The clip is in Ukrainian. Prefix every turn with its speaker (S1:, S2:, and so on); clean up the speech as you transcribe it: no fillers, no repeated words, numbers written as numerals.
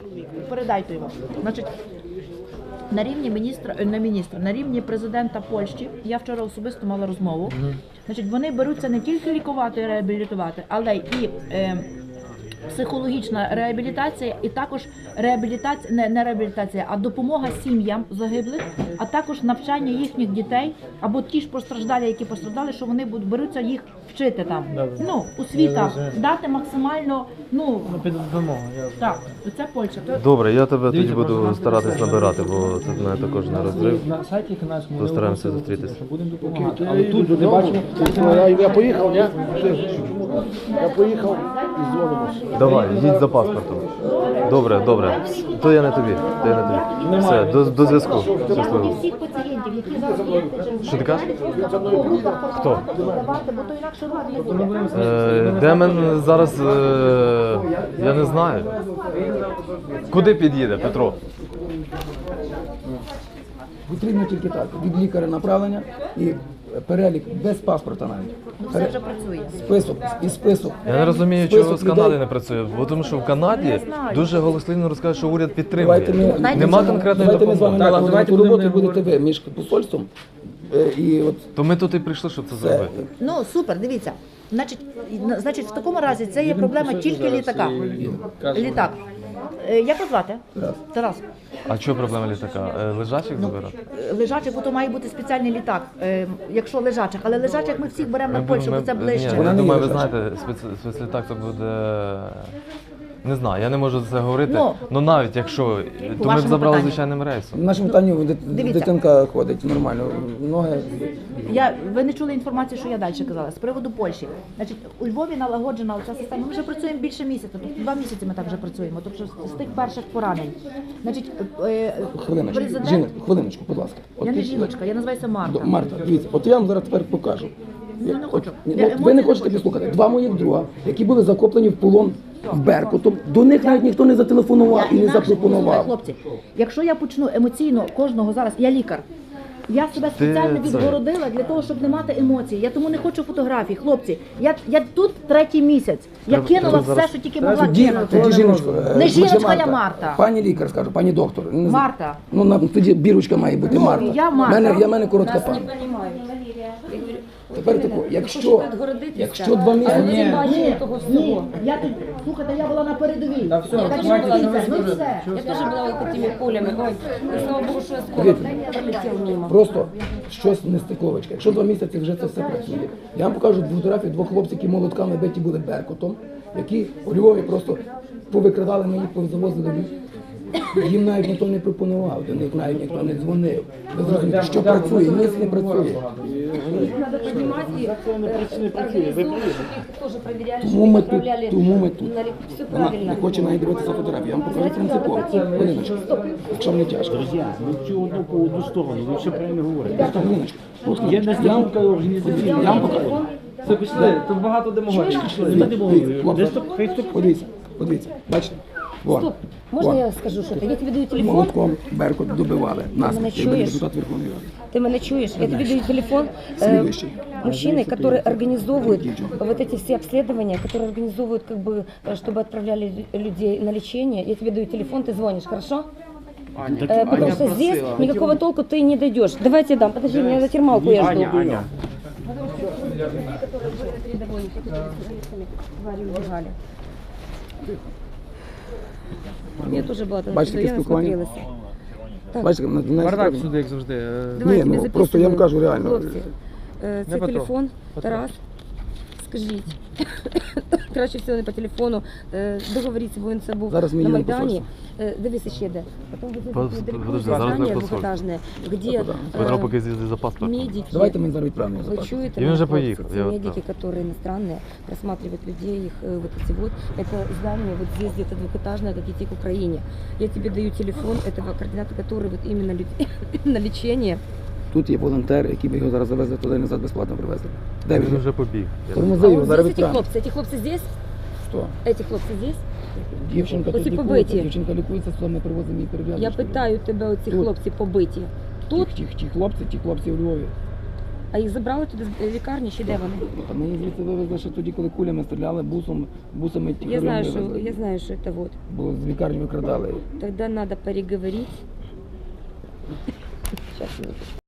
S1: передайте йому. Значить, на рівні президента Польщі, я вчора особисто мала розмову, значить, вони беруться не тільки лікувати і реабілітувати, але і психологічна реабілітація і також реабілітація, не реабілітація, а допомога сім'ям загиблих, а також навчання їхніх дітей, або ті ж постраждалі, які постраждали, що вони беруться їх вчити там. Ну, освіта, дати максимально, так, це Польща.
S2: Добре, я тебе тоді буду старатись набирати, бо це в мене також не розрив.
S3: На сайті канадському
S2: Постараємося зустрітися.
S3: будемо допомагати. Але тут люди бачимо.
S4: Я поїхав, я поїхав і дзвонимося.
S2: Давай, їдь за паспортом. Добре, добре. То я не тобі. Все, до зв'язку. Щасливо.
S1: Всіх пацієнтів, які зараз є,
S2: Що ти кажеш?
S1: хто? Давати, бо то інакше рух не буде.
S2: Демен зараз, я не знаю. Куди під'їде, Петро?
S3: Потрібно тільки так. Від лікаря направлення і перелік без паспорта навіть.
S1: Це вже працює.
S3: Список.
S2: Я не розумію,
S3: Список
S2: чого з
S3: людей.
S2: Канади не працює. Бо тому що в Канаді дуже голослівно розказують, що уряд підтримує.
S3: Давайте
S2: Нема конкретної
S3: Давайте ми з вами
S2: допомоги.
S3: налагодимо ту роботу, і будете ви між посольством. І от
S2: То ми тут і прийшли, щоб це зробити.
S1: Ну, супер, дивіться. Значить, в такому разі це є проблема тільки літака. Літак. Як вас звати? Тарас.
S2: А чого проблема літака? Лежачих забирати?
S1: Лежачих, бо то має бути спеціальний літак, якщо лежачих. Але лежачих ми всіх беремо на Польщу, бо це
S2: Ні,
S1: ближче.
S2: я думаю, ви знаєте, спецлітак це буде... Не знаю, я не можу це говорити. Ну навіть якщо, то ми б
S1: вашому
S2: забрали
S1: питанню.
S2: звичайним рейсом.
S3: в нашому питанні
S1: Дивіться.
S3: дитинка ходить нормально. Ноги.
S1: Ви не чули інформацію, що я далі казала, з приводу Польщі. Значить, у Львові налагоджена ця система. Ми вже працюємо більше місяця, тобто 2 місяці ми так вже працюємо, тобто з тих перших поранень. Значить,
S3: Хвилиночку, будь ласка.
S1: Я не жіночка, я називаюся Марта.
S3: Марта, дивіться, от я вам зараз тепер покажу.
S1: Я не хочу.
S3: От
S1: Я
S3: ви
S1: емоції
S3: не
S1: не
S3: хочете
S1: хочу.
S3: послухати. 2 моїх друга, які були захоплені в полон в Беркутом, до них навіть ніхто не зателефонував і не
S1: Інакше,
S3: запропонував.
S1: послухай, хлопці, якщо я почну емоційно кожного зараз, я лікар. Я себе спеціально
S2: це-
S1: відгородила для того, щоб не мати емоцій. Я тому не хочу фотографій. Хлопці, я тут 3-й місяць. Я кинула все, що тільки могла кинути.
S3: Тоді жіночко.
S1: Не жіночка,
S3: Марта.
S1: я Марта.
S3: Пані лікар, скажу, пані доктор. Не знаю.
S1: Марта.
S3: Ну, тоді бірочка має бути Марта.
S1: я Марта.
S3: Я мене коротка пані. Тепер тако, якщо 2 місяці...
S1: Ні, я тут, слухайте, я була на передовій. Так що дивіться, ну все.
S5: Я тоже была вот этими полями. Ой, и слава богу, что осколок пролетел мимо.
S3: Просто щось нестиковочка. Якщо 2 місяці вже це все працює. Я вам покажу фотографії 2 хлопців, які молотками биті були Беркутом, які у Львові просто повикрадали мені, повзавозили. Їм навіть ніхто не пропонував, до них навіть ніхто не дзвонив. Ви зрозумієте, що працює, ніс не працює.
S5: Надо понимать, и организовывать, их тоже проверяли,
S3: Тому ми
S5: чтобы
S3: тут,
S5: отправляли
S3: тому ми тут.
S5: Все
S3: Вона
S5: правильно.
S3: не хоче навіть дивитися фотографії. Я вам покажу принципово. Хвилиночку, якщо не тяжко.
S4: Друзі, ми цю одну по одну сторону, ви все правильно говорите.
S3: Просто хвилиночку.
S4: Є настільки організаційна.
S3: Я вам покажу.
S4: Це пішли, тут багато демагогії.
S3: Подивіться, бачите? Вон.
S5: Стоп, можно
S3: Вон.
S5: я скажу что-то? Я тебе даю телефон,
S3: Молотком Беркут добивали нас.
S5: мене
S3: Я був
S5: чуєш?
S3: депутат Верховної Ради.
S5: ты меня чуешь? Я тебе даю телефон
S3: Следующий.
S5: мужчины, которые организовывают вот эти все обследования, которые организовывают, как бы, чтобы отправляли людей на лечение. Я тебе даю телефон, ты звонишь, хорошо? Потому что здесь никакого толку ты не дойдешь. Давайте я дам, подожди, меня за термалку я жду. Я тоже была там,
S3: Бачите,
S5: я
S3: таке спілкування?
S5: насмотрелась. Так,
S3: Бачите, на
S4: Бардак сюди, як завжди.
S5: давай,
S3: Ні,
S5: тебе
S3: ну просто я вам
S5: записываю.
S3: кажу реально.
S5: Хлопці, це
S4: Петро.
S5: телефон, Тарас, скажіть. Краще всього не по телефону. Договоріться, бо він це був
S3: Зараз ми
S5: на
S3: їдемо
S5: Майдані. Дивися ще де. Потім
S2: Подожди, зараз ми посольство.
S5: двохетажне, де
S2: Петро поки з'їздить за паспортом.
S5: медики.
S3: Давайте ми зараз відправимо
S5: Вы
S3: запас.
S5: чуете,
S2: И он
S5: мои
S2: же
S5: хлопцы,
S2: поехал,
S5: те
S2: я вот
S5: медики, которые иностранные, просматривают людей, их вот эти вот. Это здание вот здесь где-то двухэтажное, как идти к Украине. Я тебе даю телефон этого координатора, который вот именно на лечение.
S3: Тут є волонтер, який би його зараз завезли туди і назад безплатно привезли. Де
S2: Він
S3: він?
S2: вже побіг.
S3: Тормози
S5: А
S3: його,
S5: вот
S3: зараз
S5: здесь
S3: відправимо.
S5: эти хлопцы здесь?
S3: Що?
S5: Эти хлопцы здесь?
S3: Дівчинка
S5: Оці
S3: тут
S5: побиті.
S3: лікується, дівчинка лікується, то ми привозимо її перев'язку.
S5: Я питаю тебе, оці
S3: Тут.
S5: хлопці побиті. Тут?
S3: Ті хлопці у Львові.
S5: А їх забрали туди з лікарні, чи де вони?
S3: Та ми їх звідси вивезли ще тоді, коли кулями стріляли, бусами
S5: Я
S3: тихарем
S5: знаю,
S3: вивезли.
S5: что, я знаю, что это вот.
S3: Бо з лікарні викрадали.
S5: Тогда надо переговорить. Сейчас, минуточку.